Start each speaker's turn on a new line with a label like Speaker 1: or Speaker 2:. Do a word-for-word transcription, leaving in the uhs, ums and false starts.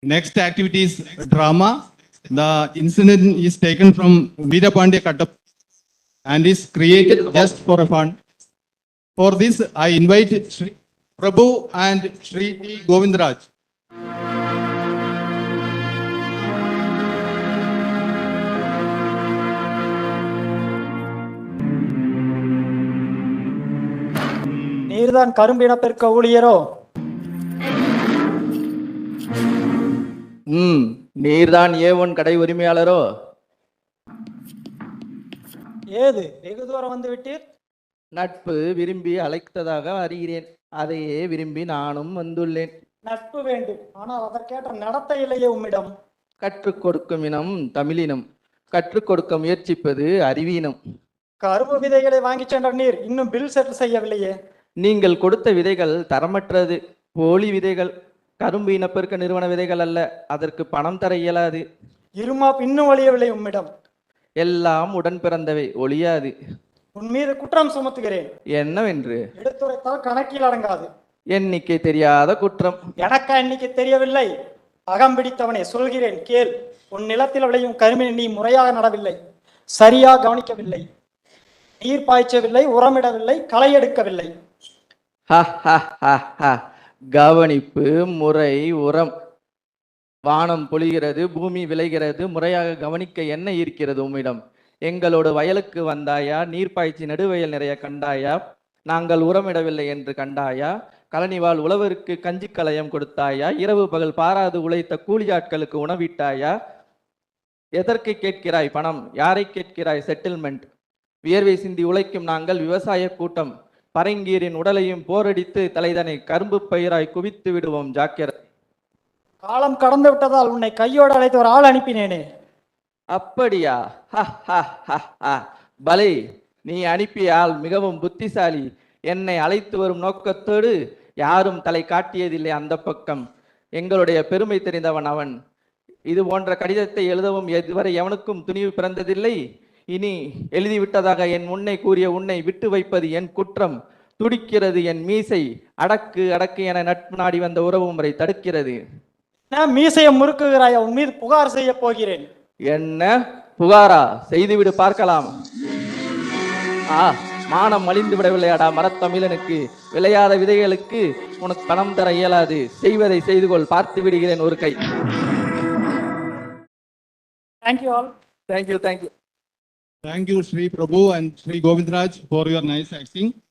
Speaker 1: Next activity is drama. The incident is taken from Veerapandya Kattap and is created just for fun. For this, I invite Shri Prabhu and Shri T. Govindraj.
Speaker 2: நீர்தான் கரும்பு இனப்பெருக்க ஊழியரோ?
Speaker 3: ம் நீர்தான் ஏ one கடை உரிமையாளரோ?
Speaker 2: ஏது வெகு தூரம் வந்து விட்டீர்?
Speaker 3: நட்பு விரும்பி அழைத்ததாக அறிகிறேன். அதையே விரும்பி நானும் வந்துள்ளேன்.
Speaker 2: நட்பு வேண்டும், ஆனால் அதற்கேற்ற நடத்தை இல்லையே உம்மிடம்.
Speaker 3: கற்றுக் கொடுக்கும் இனம் தமிழினம், கற்றுக் கொடுக்க முயற்சிப்பது அறிவீனம்.
Speaker 2: கரும்பு விதைகளை வாங்கி சென்ற நீர் இன்னும் பில் செட்டில் செய்யவில்லையே.
Speaker 3: நீங்கள் கொடுத்த விதைகள் தரமற்றது, போலி விதைகள். கரும்பு இனப்பெருக்க நிறுவன விதைகள் அல்ல, அதற்கு பணம் தர இயலாது.
Speaker 2: இருமா இன்னும் ஒழியவில்லை உம்மிடம்.
Speaker 3: எல்லாம் உடன் பிறந்தவை, ஒழியாது.
Speaker 2: உன் மீது குற்றம் சுமத்துகிறேன்.
Speaker 3: என்னவென்று?
Speaker 2: எடுத்துரைத்தால் கணக்கில் அடங்காது.
Speaker 3: எண்ணிக்கை தெரியாத குற்றம்.
Speaker 2: எனக்கா எண்ணிக்கை தெரியவில்லை? அகம் பிடித்தவனே சொல்கிறேன் கேள். உன் நிலத்தில் விளையும் கரும்பினை நீ முறையாக நடவில்லை, சரியாக கவனிக்கவில்லை, நீர் பாய்ச்சவில்லை, உரமிடவில்லை, களை எடுக்கவில்லை.
Speaker 3: கவனிப்பு, முறை, உரம். வானம் பொழிகிறது, பூமி விளைகிறது, முறையாக கவனிக்க என்ன இருக்கிறது உம்மிடம்? எங்களோட வயலுக்கு வந்தாயா? நீர் பாய்ச்சி நடுவயல் நிறைய கண்டாயா? நாங்கள் உரமிடவில்லை என்று கண்டாயா? கழனிவாள் உழவருக்கு கஞ்சி கலயம் கொடுத்தாயா? இரவு பகல் பாராது உழைத்த கூலியாட்களுக்கு உணவிட்டாயா? எதற்கு கேட்கிறாய் பணம்? யாரை கேட்கிறாய் செட்டில்மெண்ட்? வியர்வை சிந்தி உழைக்கும் நாங்கள் விவசாய கூட்டம். பரங்கீரின் உடலையும் போரடித்து தலைதனை கரும்பு பயிராய் குவித்து விடுவோம், ஜாக்கிரதை.
Speaker 2: காலம் கடந்து விட்டதால் உன்னை கையோடு அழைத்து ஒரு ஆள் அனுப்பினேனே.
Speaker 3: அப்படியா? பலே, நீ அனுப்பிய ஆள் மிகவும் புத்திசாலி. என்னை அழைத்து வரும் நோக்கத்தோடு யாரும் தலை காட்டியதில்லை அந்த பக்கம். எங்களுடைய பெருமை தெரிந்தவன் அவன். இது போன்ற கடிதத்தை எழுதவும் இதுவரை எவனுக்கும் துணிவு பிறந்ததில்லை. இனி எழுதிவிட்டதாக என் முன்னை கூறிய உன்னை விட்டு வைப்பது என் குற்றம். துடிக்கிறது என் மீசை. அடக்கு அடக்கு என நட்பு நாடி வந்த உறவு முறை தடுக்கிறது.
Speaker 2: நான் மீசையை முறுக்குகிறாயா? உன் மீது புகார் செய்ய போகிறேன்.
Speaker 3: என்ன புகாரா? செய்துவிடு பார்க்கலாம். ஆ மானம் மலிந்து விடவில்லையாடா மரத்தமிழனுக்கு. விளையாத விதைகளுக்கு உனக்கு பணம் தர இயலாது. செய்வதை செய்து கொள், பார்த்து விடுகிறேன் ஒரு கை.
Speaker 2: Thank you all.
Speaker 3: Thank you thank you
Speaker 1: Thank you, Shri Prabhu and Shri Govindraj, for your nice acting.